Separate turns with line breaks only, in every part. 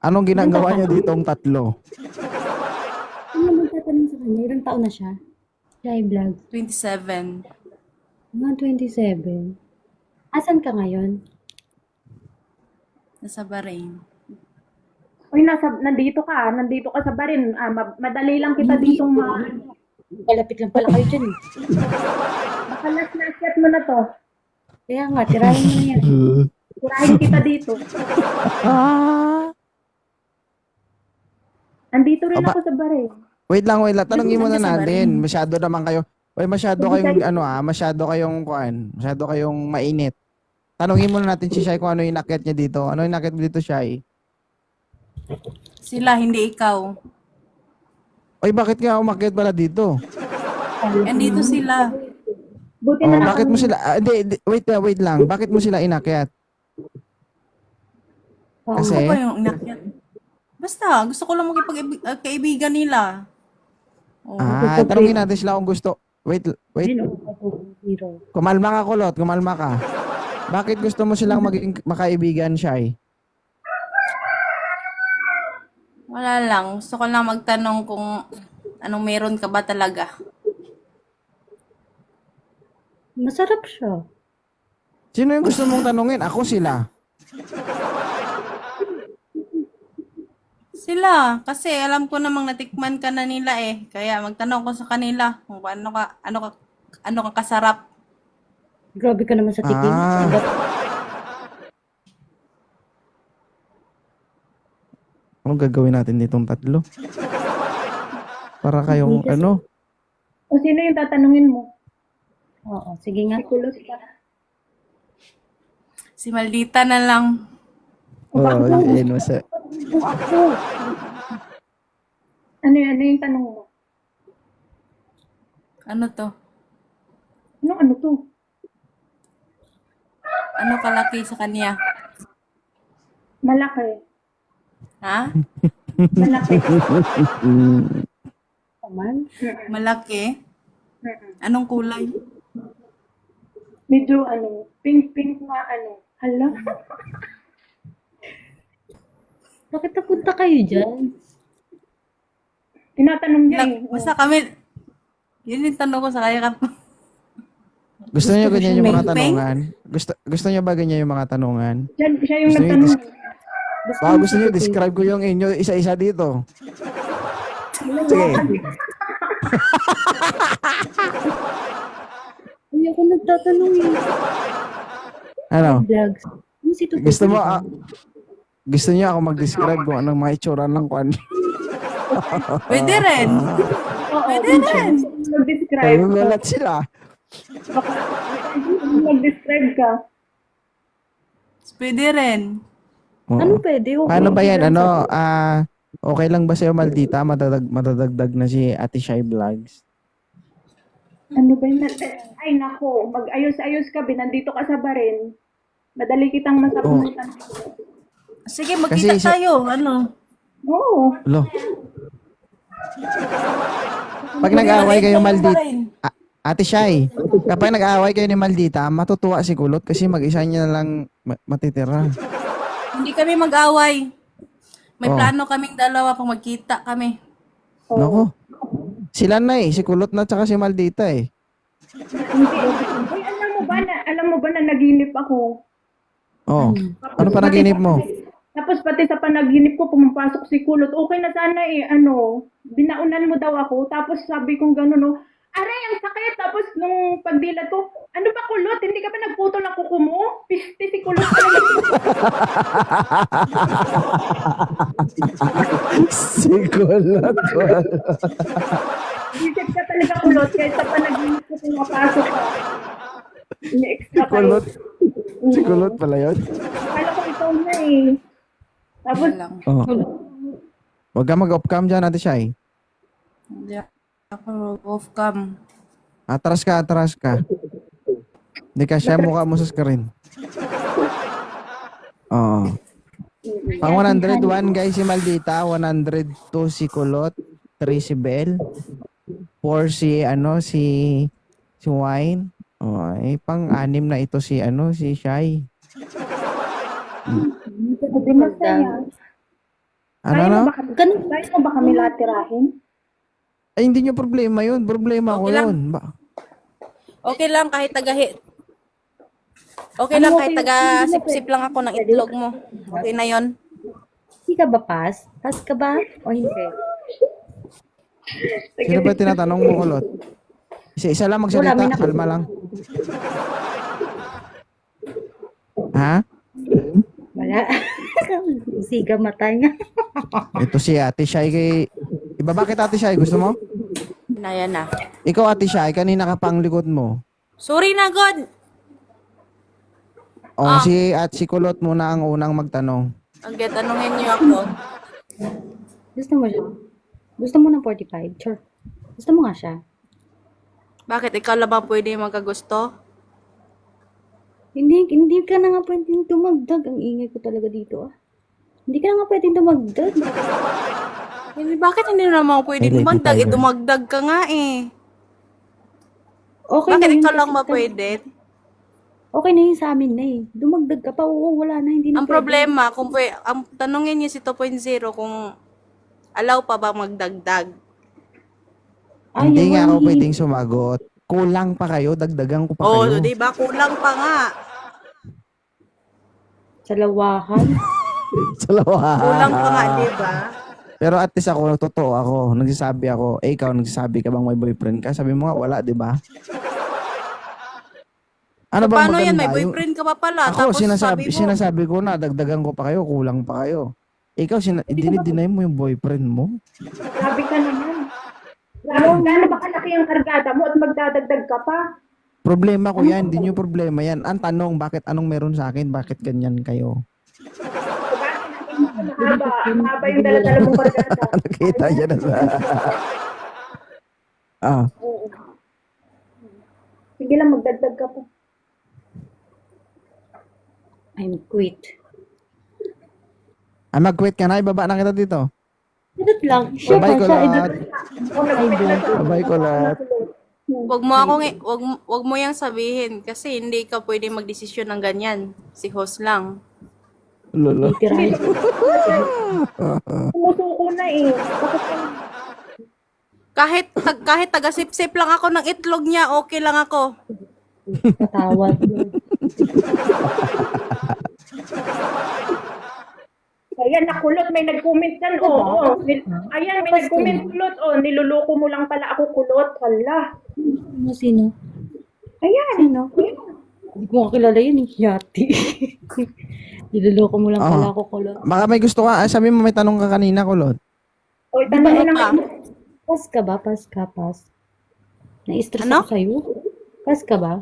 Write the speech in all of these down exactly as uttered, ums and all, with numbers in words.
Anong ginagawa niyo
Nagtatanong.
ditong tatlo?
Ano naman tatanong sa kanya? Ilang taon na siya? Shy Vlog.
twenty-seven.
Mga twenty-seven. Asan ka ngayon?
Nasa Bahrain.
Uy, nasa, nandito ka, ah. Nandito ka sa Barin. Ah, ma- madali lang kita
Hindi.
ditong ma...
Malapit lang pala kayo dyan.
Makalas na akyat mo na to.
Kaya nga, tirahin mo na yan.
Tirahin kita dito.
Ah!
Nandito rin
Aba.
ako sa Barin.
Wait lang, wait lang. Tanungin muna
Saan ka sa
natin.
Bahrain?
Masyado naman kayo. Oy, masyado kayong ano ah, masyado kayong kuan, masyado kayong mainit. Tanungin muna natin si Shai kung ano yung inakyat niya dito. Ano yung inakyat mo dito, Shai?
Sila, hindi ikaw.
Oy, bakit nga umakyat pala dito?
Andito sila.
Buti
Oh,
na lang.
bakit mo sila ah, hindi, hindi, wait, ah, wait lang. Bakit mo sila inakyat?
Oo.
Kasi
Ako pa yung inakyat. Basta, gusto ko lang magkipag-kaibigan nila. Oh.
ah, tanungin natin sila kung gusto. Wait, wait.
Ayun, oh, zero.
Kumalma ka, kulot. Kumalma ka. Bakit gusto mo silang maging makaibigan, Shai?
Wala lang. Gusto ko lang magtanong kung anong meron ka ba talaga.
Masarap siya.
Sino yung gusto mong tanungin? Ako sila.
Sila, kasi alam ko namang natikman ka na nila eh. Kaya magtanong ko sa kanila kung ano ka, ano ka, ano ka kasarap.
Grabe ka naman sa tikim.
Ah. Anong gagawin natin ditong tatlo? Para kayong ano?
O sino yung tatanungin mo?
Oo, sige nga.
Kulot ka.
Si Maldita na lang.
Oo, oh, yun, masa.
O ako. Ano yun? Ano yung tanong mo?
Ano to?
Ano, ano to?
Ano kalaki sa kanya?
Malaki.
Ha?
Malaki.
Naman.
Malaki?
Mm-mm.
Anong kulay?
Medyo ano, pink-pink na ano. Hala.
Bakit napunta kayo dyan?
Tinatanong niya
Nak-
eh.
basta kami, yun yung tanong ko sa kanya.
Gusto niyo ganyan yung mga
Peng-peng?
tanungan? Gusto gusto niyo ba ganyan yung mga tanungan?
Siya, siya yung
Gusto niyo
nagtanong.
dis- Baka gusto niyo describe ko yung inyo isa-isa dito. Sige.
Ay, ako nagtatanong eh.
Ano?
Vlogs. Ano si Tutu?
Gusto mo ah, gusto niyo ako mag-describe kung anong mga itsura ng kwan?
Pwede rin.
Oo,
Pwede rin.
mag-describe ka.
Nagulat sila.
Mag-describe ka.
Pwede rin.
Oo.
Ano pwede? Okay.
Paano ba yan? Ano, ah, okay lang ba sa'yo, Maldita? Madadag, madadagdag na si Ate Shai Vlogs.
Ano ba yun? Ay, nako. Mag-ayos-ayos ka. Binandito ka sa Barin. Madali kitang masabunutan.
Sige, magkita
Kasi siya-
tayo. Ano?
Oo.
Lo. Pag nag-away kayo, Maldita, A- Ate Shai, kapag nag-away kayo ni Maldita, matutuwa si Kulot kasi mag-isa niya na lang ma- matitira.
Hindi kami mag-away. May
Oh.
plano kaming dalawa pag magkita kami.
Nako. Sila na eh, si Kulot na tsaka si Maldita eh.
Hindi. Uy, alam mo ba na, alam mo ba na naginip ako?
Oh. Ano pa naginip mo?
Tapos pati sa panaginip ko, pumapasok si Kulot. Okay na sana eh, ano, binaunan mo daw ako. Tapos sabi kong gano'n, no, aray, ang sakit. Tapos nung pagdilat ko, ano ba Kulot? Hindi ka ba nagputo ng kuko mo? Piste si Kulot.
Si Kulot.
Isip ka talaga Kulot. Kaya sa panaginip ko, pumapasok ka. Ini-extra kayo.
Kulot. Si Kulot pala yun.
Kala ko ikaw na eh. Tapos,
Wala lang.
Oh. Huwag ka mag-off cam dyan, Ate Shai.
Hindi ako off cam.
Atras ka, atras ka. Hindi ka siya mukha mo sa screen. Oo. Pang one oh one guys si Maldita, one oh two si Kulot, three si Bell, four si ano si si Wine. Oh, eh, pang anim na ito si ano si Shai.
hindi masaya.
Ano
Kaya
na?
mo ba kami,
Ganun.
kaya mo ba kami lahat tirahin?
Ay, hindi nyo problema yun. Problema ko
Okay lang.
yun. Ba-
Okay lang kahit taga Okay
Ano
lang
okay
kahit
lang?
taga
Hindi mo
sip-sip lang ako ng itlog mo. Okay na yon.
Hindi ka ba pass? Pass ka ba? O hindi?
Sino ba tinatanong mo, kulot? Isa-isa lang magsalita.
Wala, may nak-
Kalma lang. Ha?
Wala. Siga mata niya.
Ito si Ate Shai kay... Iba bakit Ate Shai? Gusto mo?
Na yan na.
Ikaw Ate Shai, kanina ka pang likod mo.
Sorry na, God.
O,
Ah.
si at si Kulot muna ang unang magtanong.
Okay, tanungin niyo ako.
Gusto mo siya? Gusto mo ng forty-five? Sure. Gusto mo nga siya?
Bakit? Ikaw lang ba pwede magkagusto?
Hindi, hindi ka na nga pwedeng tumagdag. Ang ingay ko talaga dito ah. Hindi ka na nga pwedeng tumagdag.
Hindi, bakit hindi naman ako pwede
Ay, lady
dumagdag? Eh,
tiger.
dumagdag ka nga eh.
Okay
Bakit
na yun
ikaw lang
kasi-
ba pwede?
Okay na yun sa amin na eh. Dumagdag ka pa. Oo, wala na. Hindi na
Ang
pwede.
problema, kung pwe, ang tanungin niyo si two point oh kung allow pa ba magdagdag.
Ay,
Hindi nga
walang
ako
hi-
pwedeng sumagot. Kulang pa kayo, dagdagan ko pa
Oo,
kayo.
di ba? Kulang pa nga.
Sa lawahan.
Sa lawa.
Kulang pa nga, di ba?
Pero at least ako, totoo ako. Nagsasabi ako, eh ikaw, nagsasabi ka bang may boyfriend ka? Sabi mo nga, wala, di ba? Ano bang
Paano yan? May
maganda? Yung-
boyfriend ka pa pala.
Ako,
tapos
sinasabi,
sabi mo,
sinasabi ko na, dagdagan ko pa kayo, kulang pa kayo. Ikaw, sina- dinideny mo yung boyfriend mo?
Grabe ka naman. Gaano, gaano ba kalaki ang kargada mo at magdadagdag ka pa?
Problema ko yan, hindi nyo problema yan. Ang tanong, bakit anong meron sa akin? Bakit ganyan kayo?
Mahaba, mahaba yung dala-dala mong kargada.
Nakita niya na sa... ah,
Oo. Sige lang, magdagdag ka pa.
I'm quit.
ah mag-quit ka na, ibaba na kita dito.
Ganun lang. Siya pa
Bye-bye ko
siya.
lahat.
Ako nag-quit na sa
Bye-bye ko lahat.
wag mo ako, ngi- wag, mo- wag mo yang sabihin kasi hindi ka pwede magdesisyon ng ganyan. Si host lang.
Lolo.
Tirahin.
Sumusuko na eh. Bakit ka
Kahit, tag, kahit taga-sip-sip lang ako ng itlog niya, okay lang ako.
Patawad.
Ayan, nakulot. May nag-comment dyan. Oo, oo. Nil- Ayan, may nag-comment kulot. Oh, niluloko mo lang pala ako kulot. Hala.
Ano, sino?
Ayan.
Sino? Hindi ko kakilala yun eh. Yati. Niloloko mo lang pala
Oo.
ako, kulot.
Baka may gusto ka, ah, sabi mo may tanong ka kanina, Kulot.
O, tanong mo
Ano
lang.
pa?
Pass ka ba? Pass ka, pass. Na-stress
Ano?
ako sa'yo. Pass ka ba?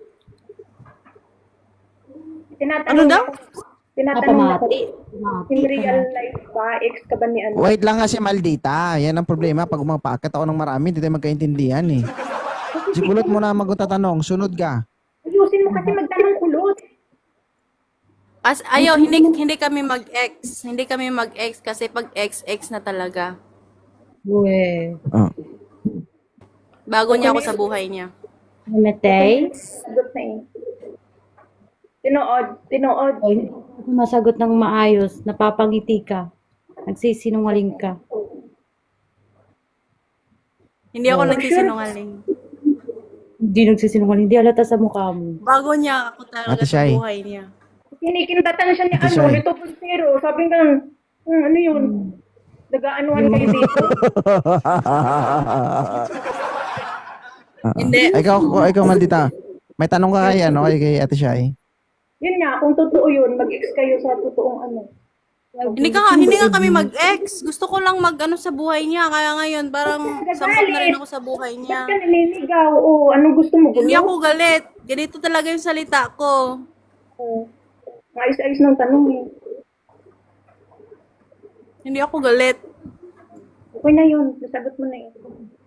Tinatanong
Ano daw?
ako- Tinatanong ako.
Napamati.
In real life ba, ex ka ba ni ano?
Wait lang nga si Maldita. Yan ang problema. Pag umapakit ako ng marami, hindi tayo magkaintindihan eh. Si Kulot mo na magtatanong. Sunod ka.
Ayusin mo kasi magtanong kulot.
As, ayaw, hindi, hindi kami mag-ex. Hindi kami mag-ex kasi pag ex, ex na talaga.
Uwe.
Oh.
Bago niya ako sa buhay niya.
Namatay?
Sagot na eh. Tinood. Tinood.
O, hindi ako masagot ng maayos. Napapangiti ka. Nagsisinungaling ka.
Hindi ako nagsisinungaling.
Hindi nagsisinungaling. Hindi halata sa mukha mo.
Bago niya ako talaga
Ate
sa
Shai.
buhay niya.
Kinikindatan siya ni
Ate
ano,
Shai.
ni two point oh. Sabi nga, hmm, ano yun? Nag-aanuhan kayo dito.
Hindi.
Ay, ikaw, ikaw Maldita. May tanong ka kay, ano, kay, kay Ate Shai.
Yun nga, kung totoo yun, mag-ex kayo sa totoong ano.
Hindi ka nga, hindi nga kami mag-ex. Gusto ko lang mag-ano sa buhay niya. Kaya ngayon, parang sampot na rin ako sa buhay
Ba't
niya.
ka naliligaw? Oo, anong gusto mo?
Hindi
Gulo?
ako galit. Ganito talaga yung salita ko.
Oo. Ayos-ayos ng tanong eh.
Hindi ako galit.
Okay na yun, nasagot mo na eh.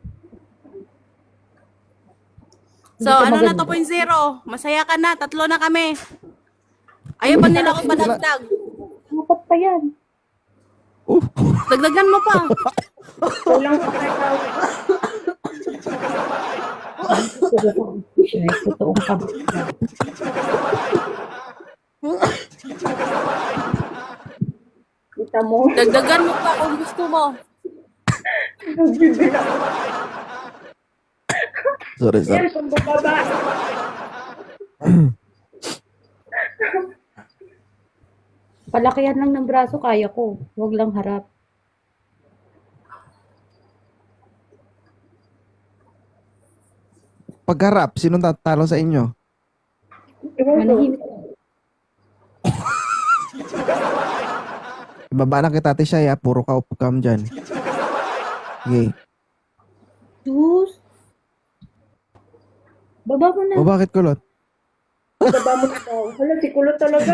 So, ano na two point oh? Masaya ka na. Tatlo na kami. Ayaw pa nila ako padagdag.
Dapat pa yan.
Dagdagan mo pa.
Kulang pa kayo.
Siya, totoong kabit ka.
mo.
Dagdagan mo pa kung gusto mo.
Bibila.
Sorry, sorry.
Yan, kung baba.
Palakihan lang ng braso, kaya ko. Huwag lang harap.
Pagharap, sinong tatalo sa inyo?
Ewan ko.
Manahimik.
Ibaba na kita, Ate Shai, ha? Puro ka upcam dyan. Okay.
Sus. Baba mo na.
O bakit kulot?
Baba mo na daw. Hala, si Kulot talaga.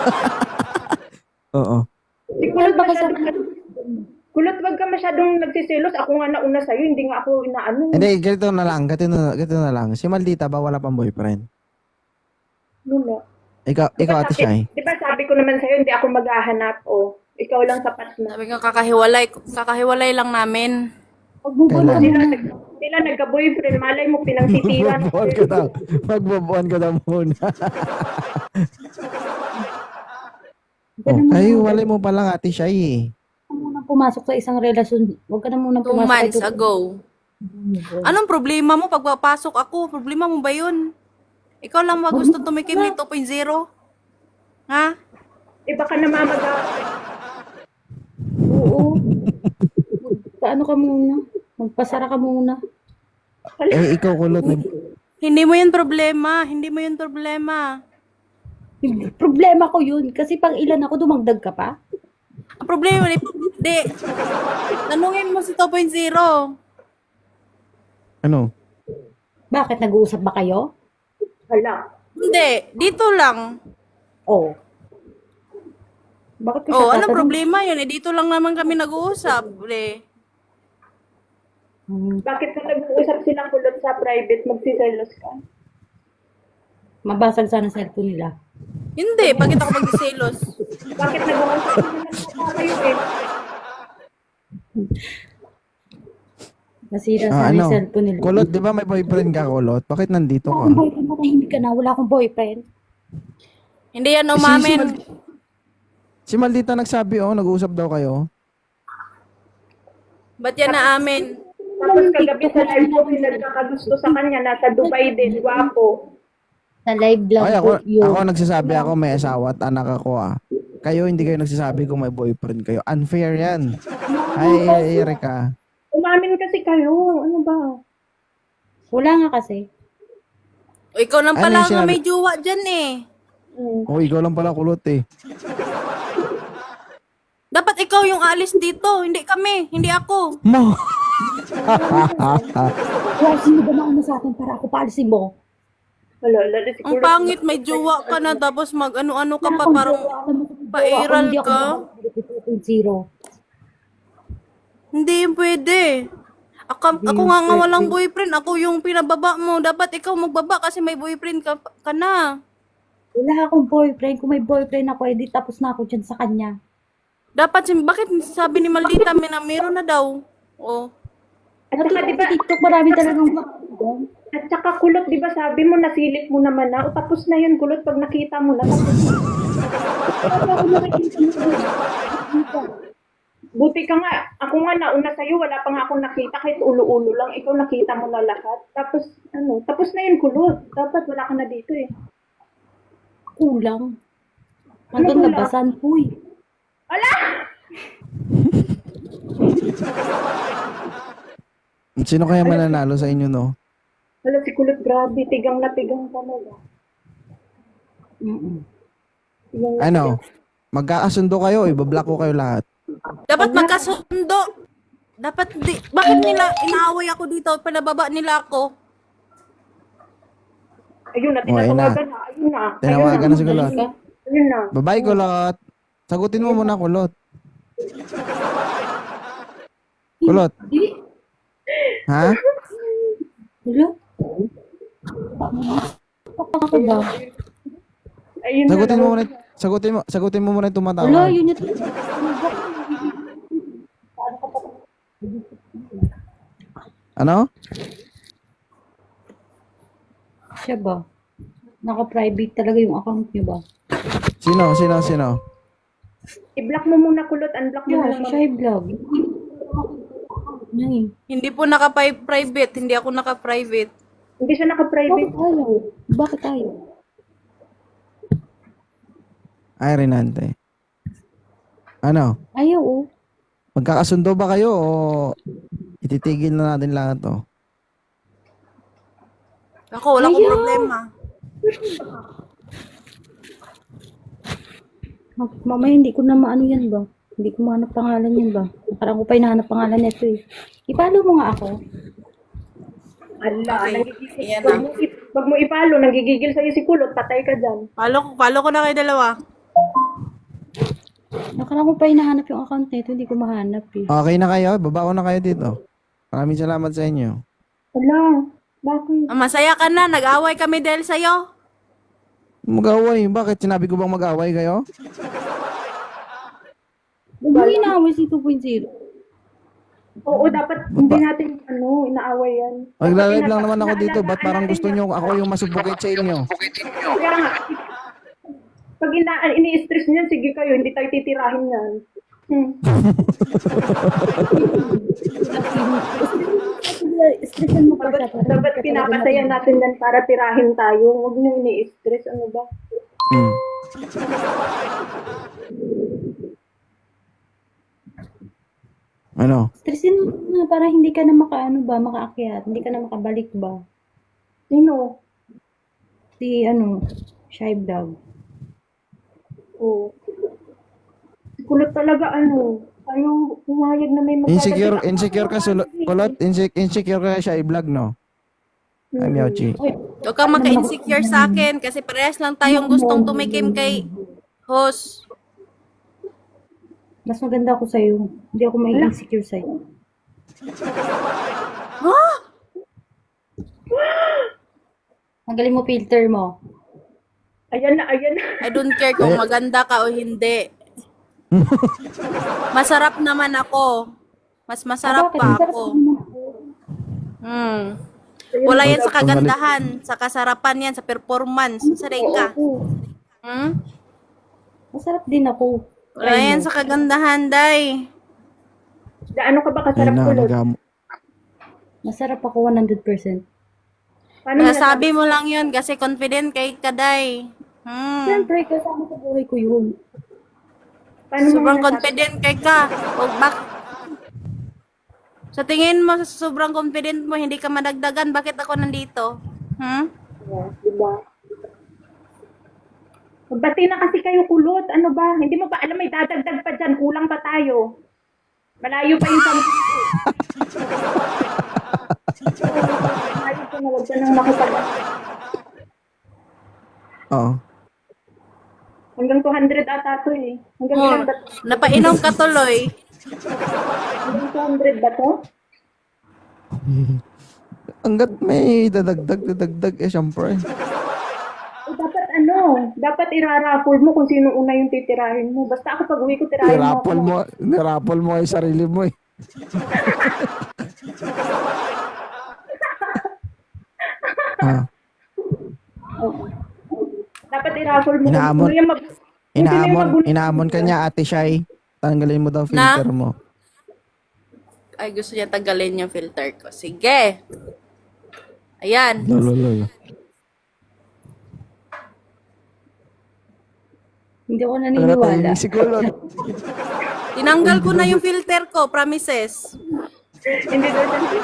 Oo.
Si Kulot masyadong... Kulot, wag ka masyadong nagsiselos. Ako nga nauna sa'yo, hindi nga ako inaano.
Hindi, ganito na lang, ganito na, ganito na lang. Si Maldita ba wala pang boyfriend?
Lula.
Ikaw, ikaw Ate Shai.
Di ba sabi ko naman sa'yo, hindi ako maghahanap. O, ikaw lang sapat na.
Sabi nga kakahiwalay, kakahiwalay lang namin.
Huwag mo ba
Kailan?
Sila, nag, sila nagka-boyfriend. Malay mo, pinangsitiran.
Magbabuan ka daw. Magbabuan ka daw muna. oh, ay, wala mo pa lang Ate Shai eh.
Huwag ka muna pumasok sa isang relasyon. Huwag ka na muna
Two
pumasok.
months
sa-
ago. Anong problema mo pag papasok ako? Problema mo ba yun? Ikaw lang ba gusto tumikim ni two point oh? Ha?
Eh, baka namamaga.
Oo. Paano ka muna? Magpasara ka muna.
Eh, ikaw kulot. Nag-
Hindi mo yun problema. Hindi mo yun problema.
Problema ko yun. Kasi pang ilan ako, dumagdag ka pa.
Ang problema, di, di tanungin mo si two point oh.
ano?
Bakit? Nag-uusap ba kayo?
Hala.
Hindi, dito lang.
Oo. Bakit ko
Oh,
siya
anong
tatanong?
problema yun? Eh, dito lang naman kami nag-uusap. Eh.
Hmm,
Bakit kung nag-uusap silang Kulot sa private, magsiselos ka?
mabasag sana cellphone nila.
Hindi, bakit ako magsiselos?
Bakit nag-uusap sila ng kayo eh?
Nasira
Ah,
sana
ano?
yung cellphone nila.
Kulot, di ba may boyfriend ka, kulot? Bakit nandito
Wala akong
ka?
boyfriend, matahimik ka na. Wala akong boyfriend.
Hindi yan
Si-
umamin.
Si, si Maldita nagsabi, oh, nag-uusap daw kayo.
Ba't yan na amin?
Tapos kagabi sa live ko, may nagkakagusto sa kanya, nasa Dubai din, guwapo.
Sa live lang
Ay,
po
ako,
yun.
ako nagsasabi ako may asawa at anak ako ah. Kayo hindi kayo nagsasabi kung may boyfriend kayo. Unfair yan. Ay, Erika.
Umamin kasi kayo, ano ba?
Wala nga kasi.
O, ikaw lang
Ano
pala
yung
nga
sinabi-
may jowa dyan eh.
Hmm.
Oh, ikaw lang pala kulot eh.
Dapat ikaw yung alis dito, hindi kami, hindi ako.
Mo.
Wala, sino ba nauna sa akin para ako paalisin mo?
Wala, lalo si
Ang
Kulot.
pangit, may jowa ka na, tapos mag ano-ano ka pa,
Wala akong
parang
jowa. Alam mo, kung jowa ako,
pairal
hindi ako
ka.
makakabalik two point oh.
Hindi yun pwede. Ako, ako nga nga walang boyfriend, ako yung pinababa mo. Dapat ikaw magbaba kasi may boyfriend ka, ka na.
Wala akong boyfriend. Kung may boyfriend ako, edi tapos na ako dyan sa kanya.
Dapat, sim- bakit sabi ni Maldita, may na meron na daw? Oh.
At saka,
Natulog
di ba,
sa TikTok, marami talagang bakit.
at saka Kulot, di ba sabi mo, nasilip mo naman na, o tapos na yun, Kulot, pag nakita mo na, tapos na. Buti ka nga, ako nga nauna sa'yo, wala pa nga akong nakita, kahit ulo-ulo lang, ikaw nakita mo na lahat. Tapos, ano, tapos na yun, Kulot. Dapat wala ka na dito eh.
Kulang.
Ano
Nandun
kulang?
labasan, puy.
Ala!
Sino kaya mananalo sa inyo, no?
Wala si Kulot, grabe, tigang na tigang talaga.
Mm-mm.
Tigang na
Ano? Magkakasundo kayo, ibablock ko kayo lahat.
Dapat magkasundo. Dapat di, bakit nila inaaway ako dito, pinababa nila ako?
Ayun na,
Oh, ayun na.
tinatawagan na. Ayun na.
Tinawagan na si Kulot.
Ka?
Ayun na.
Bye-bye, kulot. Sagutin mo muna, kulot. Kulot.
Di.
Ha?
Wala. Ako ba?
Ayun na.
Sagutin mo muna, sagutin mo, sagutin mo muna yung
Wala,
tumatawag.
yun yung...
Ano?
Siya ba? Naka-private talaga yung account niyo ba?
Sino, sino, sino?
I-block mo muna kulot, unblock mo
Yeah,
na
si
lang.
Shy Vlog. Yan eh.
Hindi po naka-private. Hindi ako naka-private.
Hindi siya
Bakit
naka-private.
ayaw? Bakit ayaw?
Ay, Renante. Ano?
Ayaw oh.
Magkakasundo ba kayo o ititigil na natin lahat to?
Ako, wala akong
Ayaw.
problema.
Ma- Mamaya hindi ko na maano yan ba? Hindi ko mahanap pangalan yan ba? Parang ko pa hinahanap pangalan nito eh. Ipalo mo nga ako.
Ala,
Okay.
nagigigil.
Ayan
Wag
na.
mo, i- wag mo ipalo, nagigigil sa'yo si kulot, patay ka dyan.
Follow, follow ko na kayo dalawa.
Nakarang ko pa hinahanap yung account nito, hindi ko mahanap eh.
Okay na kayo? Baba ko na kayo dito. Maraming salamat sa inyo.
Ala, bakit?
Ah, masaya ka na. Nag-away kami dahil sa'yo.
Mag-away. Bakit? Sinabi ko bang mag-away kayo?
Huwag mo inaaway si two point oh.
Oo, dapat hindi natin, ano, inaaway yan.
Magla-live lang
Dapat
naman ako dito.
inaalagaan
Ba't parang
natin
gusto
yan.
nyo ako yung masubukit sa inyo?
Kaya nga, pag ina ini-stress niyan, sige kayo, hindi tayo titirahin yan. Hmm.
Stressan mo pa siya.
Dapat, dapat pinapasaya natin yan para tirahin tayo. Huwag niyo ini-stress, ano ba?
Hmm. Ano?
Stressin mo na para hindi ka na makaano ba, makaakyat. Hindi ka na makabalik ba.
Sino?
Si ano, Shy Vlog.
Oo. Si kulot talaga, ano, ayaw pumayag na may magdadagdag.
Insecure, insecure ka, sulo, kulot, insecure, insecure ka siya i-vlog, no? Ay, Miauchi.
Oy,
Huwag kang maka-insecure sa akin kasi parehas lang tayong gustong tumikim kay host.
mas maganda ako sa'yo. Hindi ako may insecure sa'yo.
Huh?
Tanggalin mo filter mo.
Ayan na, ayan na.
I don't care kung maganda ka o hindi. Masarap naman ako. Mas masarap
Bakit?
pa
Masarap
ako.
naman ako.
Hmm. Wala yan sa kagandahan, sa kasarapan yan, sa performance. Saray ka.
Oo.
Hmm?
Masarap din ako.
Wala yan sa kagandahan, day.
Gaano ka ba
Ayun
kasarap
na,
kulot?
nagam...
Masarap ako one hundred percent.
Paano mo nasabi?
Nasabi mo lang yun kasi confident kay Kaday. Hmm.
Siyempre, kasama sa buhay ko yun.
Paano mo
Sobrang
nasabi?
confident kay ka. Huwag bak sa tingin mo, sa sobrang confident mo, hindi ka madagdagan. Bakit ako nandito? Hmm?
Yeah, diba? Magbati na kasi kayo kulot. Ano ba? Hindi mo ba alam may dadagdag pa dyan? Kulang pa tayo. Malayo pa yung sampu. Malayo pa na. Huwag ka nang makipag...
Oo.
Hanggang two hundred ata to eh. Hanggang
Oh,
ilan ba?
napainom ka tuloy.
Hanggang two hundred ba to?
Hanggat may dadagdag, dadagdag, eh, syempre.
Eh, dapat ano, dapat iraraffle mo kung sino una yung titirahin mo. Basta ako pag uwi ko, tirahin mo ako.
Nirapol mo, nirapol mo yung sarili mo, eh. ah,
Dapat i-raffle mo.
Inaamon.
Kung sino yung mag- kung sino yung
inaamon,
magulo-
inaamon ka niya, Ate Shai. Tanggalin mo daw filter mo.
Ay, gusto niya tanggalin yung filter ko. Sige. Ayan.
Lolo, lolo.
Hindi ako
Ano
naniniwala.
tayo si Kulot?
Tinanggal ko na yung filter ko. Promises.
Hindi daw siya.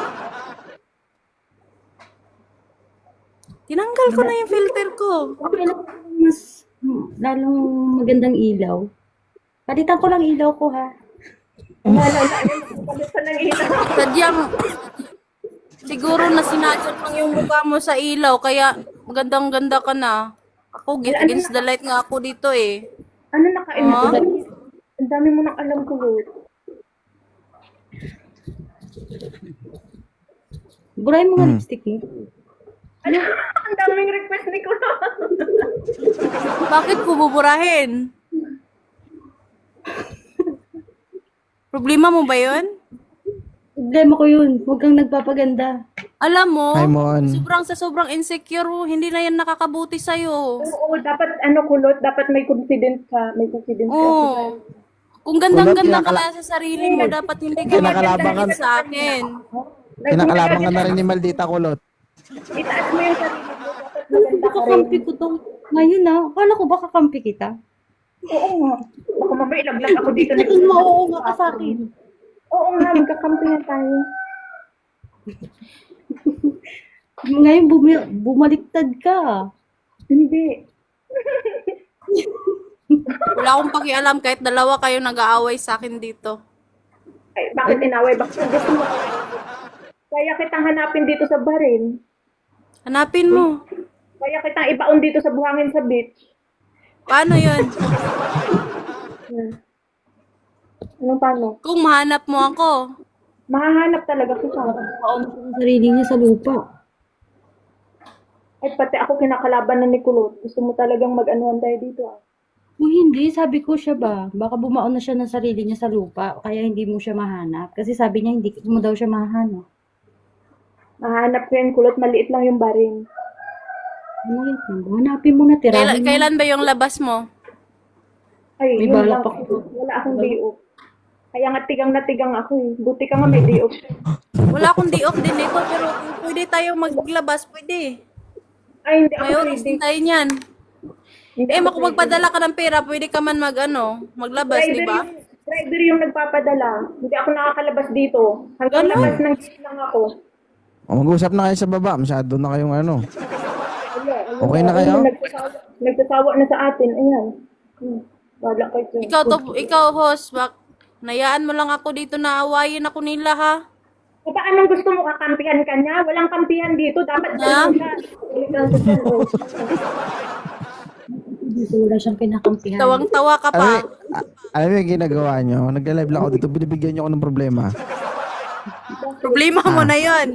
Tinanggal ko na yung filter ko.
Okay lang, mas lalong magandang ilaw. Palitan ko lang ilaw ko ha.
Wala na. Palit pa ng ilaw.
Sadyang, siguro na sinadyan lang yung mukha mo sa ilaw. Kaya magandang-ganda ka na. Ako, against the light nga ako dito eh.
Ano nakain mo?
Ah?
Ang dami mo nang alam ko, Lord.
Burahin mo nga
Hmm.
lipstick eh.
Ano? Ang daming request ni Kulo.
Bakit ko buburahin? Problema mo ba yun?
Problema ko yun. Huwag kang nagpapaganda.
Alam mo,
Hi, Mon.
sobrang sa sobrang insecure, hindi na yan nakakabuti sa'yo.
Oo, dapat ano kulot, dapat may confidence ka, may confidence ka.
Oo. Kung gandang-ganda ka
kinakala-
na sa sarili mo, dapat hindi ka
Kinakalaban ka-
magdadikit sa akin.
Kinakalaban ka na rin ni Maldita Kulot.
Itaas mo yung sarili mo, dapat maganda ka rin.
Kakampi ko to. Ngayon na, akala ko ba kakampi kita?
Oo nga. Baka mamaya ilaglag ako dito. na-
Ikaw mo, nga ka sa akin.
Oo nga, magkakampi na tayo.
Ngayon bumi- bumaliktad ka.
Hindi.
Wala akong pakialam kahit dalawa kayo nag-aaway sa akin dito.
Ay, bakit inaway? Bakit gusto mo? Kaya kitang hanapin dito sa baril.
Hanapin mo.
Kaya kitang ibaon dito sa buhangin sa beach.
Paano yun?
Hmm. Anong paano?
Kung mahanap mo ako.
Mahahanap talaga kita.
Paon ko ang sarili niya sa lupa.
Ay, pati ako kinakalaban na ni Kulot. Gusto mo talagang mag-anuhan tayo dito ah.
Kung hindi, sabi ko siya ba, baka bumaon na siya ng sarili niya sa lupa, kaya hindi mo siya mahanap. Kasi sabi niya, hindi mo daw siya mahanap.
Mahanap ko yung Kulot, maliit lang yung baril.
Ano yun? Hanapin mo na,
Kailan,
tirahin mo.
kailan ba yung labas mo?
Ay,
May
yun
balak
lang.
pa ko.
Wala akong day off. Kaya nga tigang na tigang ako eh. Buti ka nga may day off.
Wala akong day off din ito, pero kung pwede tayo maglabas, pwede.
Ay, hindi ako
May oras
pwede.
din tayo niyan.
Hindi
Eh,
ako
kung magpadala ka ng pera, pwede ka man mag, ano, maglabas,
Driver
di ba?
yung, driver yung nagpapadala. Hindi ako nakakalabas dito. Hanggang
Ganun.
labas ng gate lang ako.
O, mag-usap na kayo sa baba. Masyado na kayong ano.
Wala, ano,
Okay na kayo?
ano, Nagsasawa, nagsasawa na sa atin. Ayan. Hmm. Wala kayo dyan.
Ikaw, to, ikaw, host, bak, nayaan mo lang ako dito na awayin ako nila, ha?
O ba anong gusto mo? Kakampihan ka niya? Walang kampihan dito. Dapat
Ha?
dyan siya. Ulit lang sa dyan, oh.
Dito wala siyang pinakampihan.
Tawang-tawa ka
Alam mo,
pa.
a- alam mo yung ginagawa nyo? Nagla-live lang ako dito. Binibigyan nyo ako ng problema.
Problema mo na yon.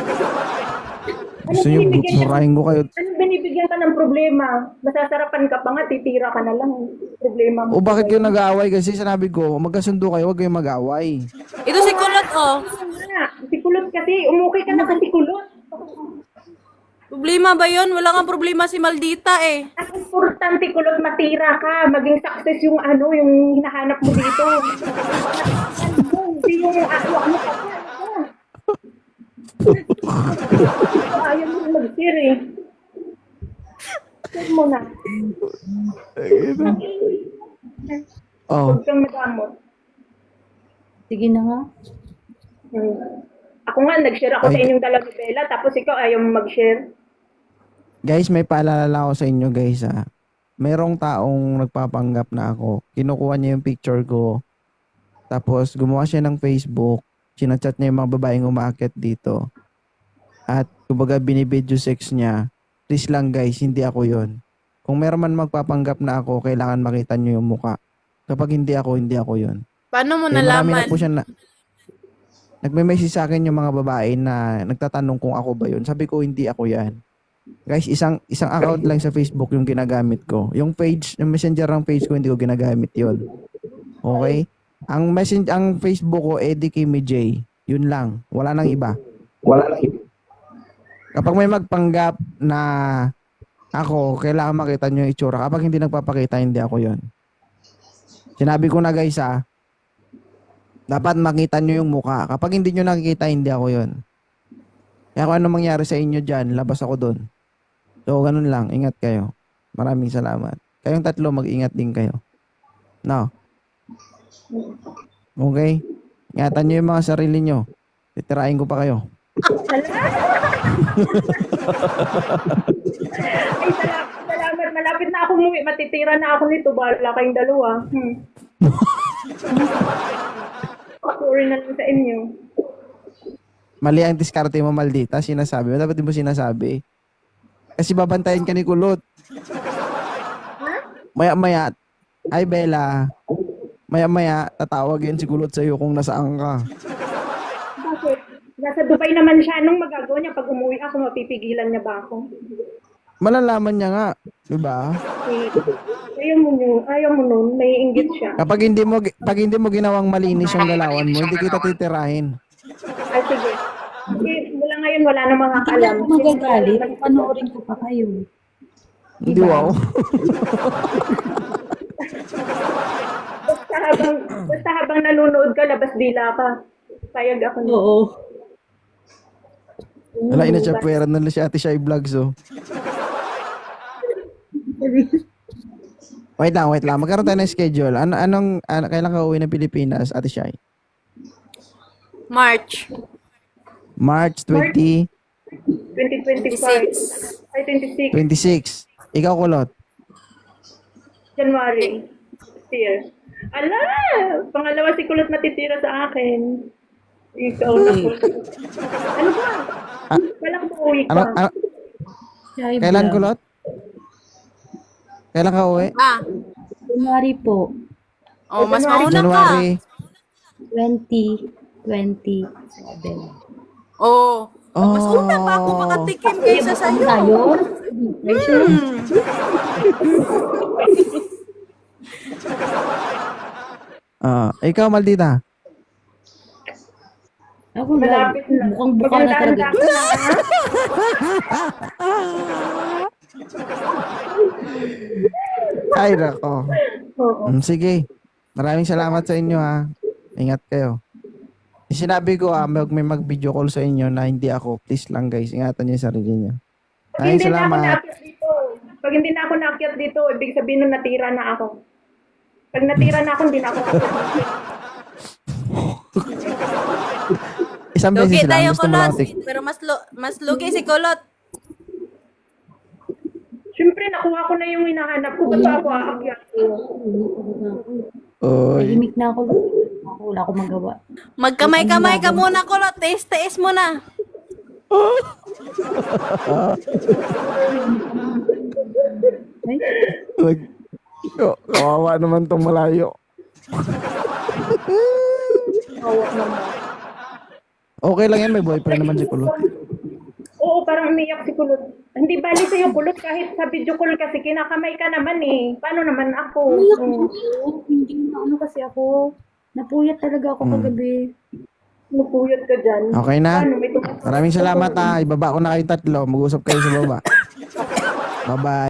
Gusto nyo, surahin ko kayo.
Ano binibigyan ka ng problema? Masasarapan ka pa nga, titira ka na lang. Problema mo.
O bakit kayo nag-aaway? Kasi sinabi ko, magkasundo kayo, huwag kayong mag-aaway.
Ito si Kulot, oh.
Wala. Si Kulot kasi, umukay ka na kasi Kulot.
Problema ba yon? Wala nga problema si Maldita, eh.
Ang importante Kulot, matira ka. Maging success yung ano, yung hinahanap mo dito. Hindi yung ano, ano ka pa. Ayaw mo na mag-share eh. Share mo na.
Oh,
Huwag kang madamot.
Sige na nga.
Hmm. Ako nga, nag-share ako
Ay.
sa inyong dalawa, Bella, tapos ikaw ayaw mo mag-share.
guys, may paalala lang ako sa inyo guys ha. Merong taong nagpapanggap na ako. Kinukuha niya yung picture ko. Tapos gumawa siya ng Facebook. Sinachat niya yung mga babaeng umaakit dito. At kumbaga binibidyo sex niya. Please lang guys, hindi ako yon. Kung meron man magpapanggap na ako, kailangan makita niyo yung muka. Kapag hindi ako, hindi ako yon.
Paano mo
Eh, marami
nalaman?
na po siya na... Nagme-message sa akin yung mga babae na nagtatanong kung ako ba yun. Sabi ko, hindi ako yan. Guys, isang isang account lang sa Facebook yung ginagamit ko. Yung page, yung messenger ng page ko, hindi ko ginagamit yun. Okay? Ang messenger, ang Facebook ko, Eddie Kimi J. Yun lang. Wala nang iba. Wala nang iba. Kapag may magpanggap na ako, kailangan makita nyo yung itsura. Kapag hindi nagpapakita, hindi ako yun. Sinabi ko na guys ah, dapat makita nyo yung mukha. Kapag hindi nyo nakikita, hindi ako yun. Kaya kung ano mangyari sa inyo dyan, labas ako dun. So, ganun lang. Ingat kayo. Maraming salamat. Kayong tatlo, mag-ingat din kayo. No? Okay? Ingatan nyo yung mga sarili nyo. Titirahin ko pa kayo.
Ay, salamat, salamat. Malapit na ako umuwi. Matitira na ako nito. Bahala kayong dalawa. Hmm. Sorry na lang sa inyo.
Mali ang diskarte mo, Maldita. Sinasabi mo. Dapat di mo sinasabi. Kasi babantayan ka ni Kulot. Maya-maya. Ay, Bella. Maya-maya, tatawag yan si Kulot sa'yo kung nasaan ka.
Bakit? Nasa Dubai naman siya. Anong magagawa niya pag umuwi ako? Mapipigilan niya ba ako?
Malalaman niya nga. Diba?
Eh, ayaw mo nun. Ayaw mo nun. May inggit siya.
Kapag hindi mo, pag hindi mo ginawang malinis yung galawan mo, hindi kita titirahin.
Ay, sige. Sige, mula ngayon wala nang
Hindi
makakalam.
ako magagalit. Panoorin ko pa kayo.
Hindi
Diba?
wow.
Basta habang, basta habang nanonood ka, labas dila ka. Sayag ako.
Oo.
Wala, inachapweran na lang si Ate Shai Vlogs, oh. Wait lang, wait lang. Magkaroon tayo ng schedule. Ano, anong, ano, kailan ka uwi ng Pilipinas, Ate Shai?
March
March twentieth,
twenty twenty-five. Ay, twenty-six.
twenty-six. Ikaw, Kulot.
January. Year. Ala! Pangalawa si Kulot matitira sa akin. Ikaw na po. Ano ba? Walang uuwi ka.
Ano, ano,
Chai
kailan,
vlog.
Kulot? Kailan ka uwi?
ah
January po.
oh mas mauna ka
January.
twenty twenty-seven.
oh
Oh.
mas una pa ako makatikim kaysa sa iyo.
Tayo?
Hmm.
Ah, ikaw, Maldita.
Ako lang.
Malapit na.
Mukhang buka na talaga.
Magandang ka na, ha?
Ay, nako.
Oo.
Mm, sige. Maraming salamat sa inyo, ha. Ingat kayo. Sinabi ko, ah, mag, may mag-video call sa inyo na hindi ako. Please lang, guys. Ingatan niyo yung sarili niyo.
Pag
Ay,
hindi na ako
salamat.
naakyat dito, pag hindi na ako naakyat dito, ibig sabihin nun natira na ako. Pag natira na ako, hindi na ako naakyat dito.
Isang
Lugi
beses lang.
tayo,
Gusto mo
Kulot.
lang tik.
Pero mas lo, mas lugi si Kulot.
Siyempre, nakuha ko na yung hinahanap ko. Ba't pa ako aakyat ko?
Oy.
Tahimik na ako. Ako, wala akong magawa.
Magkamay-kamay ka muna, Kulot. Taste-taste mo na.
Ay,
Nag... Oh, kawawa naman tong malayo. Okay lang yan, may boyfriend naman si Kulot.
Oo, parang umiyak si Kulot. Hindi bali sa'yo, Kulot, kahit sa video call kasi kinakamay ka naman eh. Paano naman ako?
umiyak
Oo.
ako. Hindi na ano kasi ako. Napuyat talaga ako kagabi.
Napuyat ka dyan.
Okay na?
Paano? May tumas-
Maraming salamat, ha. Ibaba ko na kayo tatlo. Mag-usap kayo sa baba. Bye-bye.